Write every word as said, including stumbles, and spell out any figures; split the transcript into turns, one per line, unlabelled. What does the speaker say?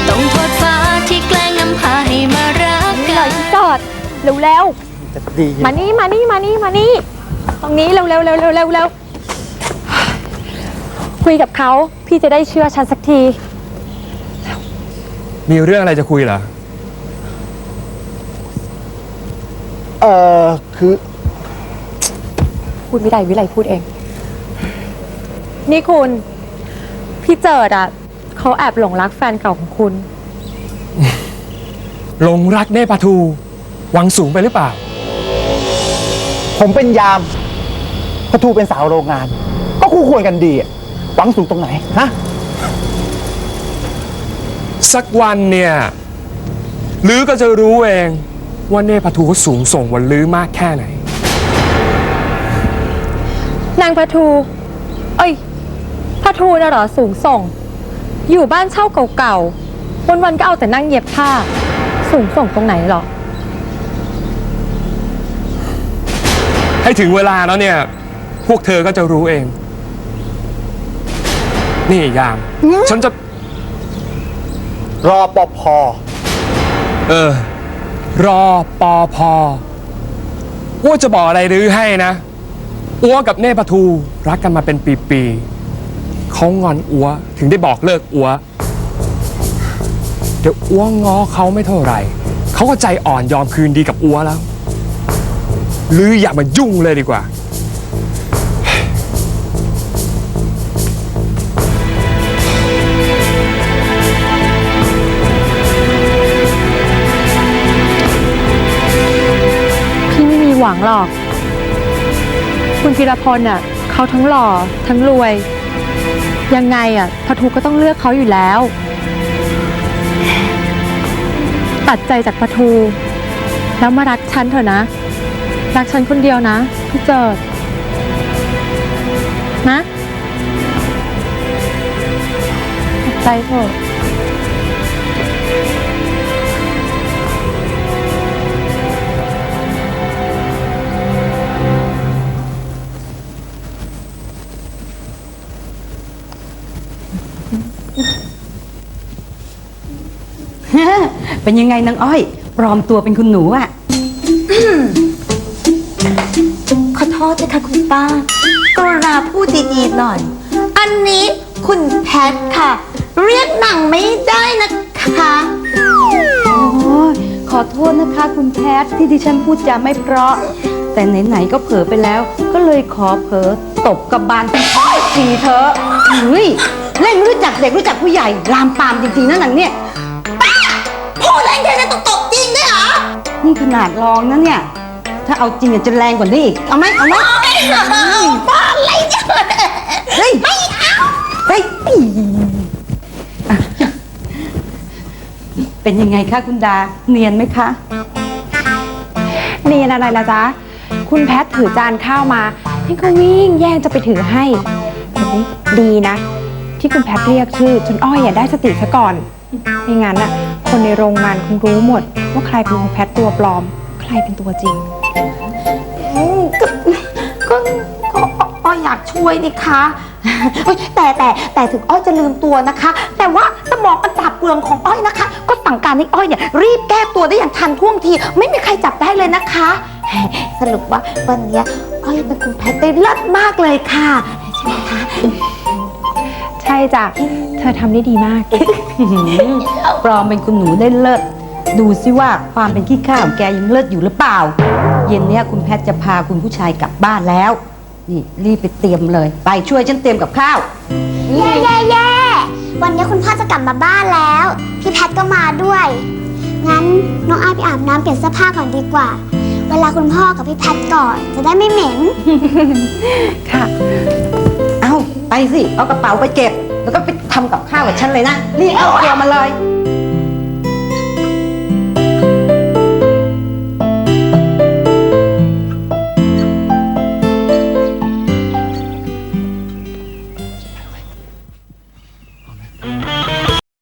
ต้องโทษฟ้าที่แกล้งนำพาให้มารักกัน
จอดเร็วเร็วมานี่มานี่มานี่มานี่ตรงนี้เร็วเร็วเร็วเร็วเร็วเร็วคุยกับเขาพี่จะได้เชื่อฉันสักที
มีเรื่องอะไรจะคุยเหรอ
เออคือ
พูดไม่ได้วิไลพูดเองนี่คุณพี่เจิดอ่ะเขาแอบหลงรักแฟนเก่าของคุณ
หลงรักเน่ปลาทูหวังสูงไปหรือเปล่า
ผมเป็นยามปะทูเป็นสาวโรงงานก็คู่ควรกันดีอะหวังสูงตรงไหนฮะ
สักวันเนี่ยลือก็จะรู้เองว่าเน่ปลาทูเขาสูงส่งวันลือมากแค่ไหน
นางปลาทูเอ้ยปลาทูน่ะเหรอสูงส่งอยู่บ้านเช่าเก่าๆวันๆก็เอาแต่นั่งเย็บผ้าสูงส่งตรงไหนหรอ
ให้ถึงเวลาแล้วเนี่ยพวกเธอก็จะรู้เองนี่ยามฉันจะ
รอปภ
เออรอปภอ้วจะบอกอะไรลือให้นะอ้วกับเน่ปลาทูรักกันมาเป็นปีๆเขางอนอ้วถึงได้บอกเลิกอ้วเดี๋ยวอ้วง้อเขาไม่เท่าไหร่เขาก็ใจอ่อนยอมคืนดีกับอ้วแล้วลืออย่ามายุ่งเลยดีกว่า
พี่ไม่มีหวังหรอกคุณพีรพลน่ะเขาทั้งหล่อทั้งรวยยังไงอ่ะปลาทูก็ต้องเลือกเขาอยู่แล้วตัดใจจากปลาทูแล้วมารักฉันเถอะนะรักฉันคนเดียวนะพี่เจิดนะตัดใจเถอะ
เป็นยังไงนางอ้อยปลอมตัวเป็นคุณหนูอะ
ขอโทษนะคะคุณป้ากรุณาพูดดีๆหน่อยอันนี้คุณแพทค่ะเรียกหนังไม่ได้นะคะ
โอ้ขอโทษนะคะคุณแพทที่ดิฉันพูดจาไม่เพราะแต่ไหนๆก็เผลอไปแล้วก็เลยขอเผลอตบกับบานเป็นอ้อยทีเธอเฮ้ยเล่นรู้จักเด็กรู้จักผู้ใหญ่ลามปามจริงๆนะหนังเนี่ย
ป้าพูดแรงแค่นั้นต้องตบจริงด้วยเหรอ
นี่ขนาดลองนะเนี่ยถ้าเอาจริงจะแรงกว่านี้อีกเอาไหมเอาไหม
ป้าอะไรเนี่ย
เฮ้ย
ไม่เอา
เฮ้ยเป็นยังไงคะคุณดาเนียนไหมคะ
เนียนอะไรล่ะจ๊ะคุณแพทถือจานข้าวมาพี่ก็วิ่งแย่งจะไปถือให้แต่นี่ดีนะที่คุณแพทเรียกชื่อจนอ้อยอย่าได้สติซะก่อนไม่งั้นน่ะคนในโรงงานคงรู้หมดว่าใครเป็นคุณแพทตัวปลอมใครเป็นตัวจริง
ก็ก็อ้อยอยากช่วยนี่คะแต่แต่แต่ถึงอ้อยจะลืมตัวนะคะแต่ว่าสมองมันปราบเปลืองของอ้อยนะคะก็สั่งการให้อ้อยเนี่ยรีบแก้ตัวได้อย่างทันท่วงทีไม่มีใครจับได้เลยนะคะสรุปว่าวันนี้อ้อยเป็นคุณแพทได้เลิศมากเลยค่ะใช่ไหมคะ
ใช่จ้ะเธอทำได้ดีมาก
ปลอมเป็นคุณหนูได้เลิศดูซิว่าความเป็นขี้ข้าของแกยังเลิศอยู่หรือเปล่าเย็นนี้คุณแพทจะพาคุณผู้ชายกลับบ้านแล้วนี่รีบไปเตรียมเลยไปช่วยฉันเตรียมกับข้าว
เย่เย่เย่วันนี้คุณพ่อจะกลับมาบ้านแล้วพี่แพทก็มาด้วยงั้นน้องอ้ายไปอาบน้ำเปลี่ยนเสื้อผ้าก่อนดีกว่าเวลาคุณพ่อกับพี่แพทก่อนจะได้ไม่เหม็น
ค่ะ
เอาไปสิเอากระเป๋าไปเก็บแล้วก็ไปทำกับข้าวกับฉันเลยนะนี่เอาตัวมาเลย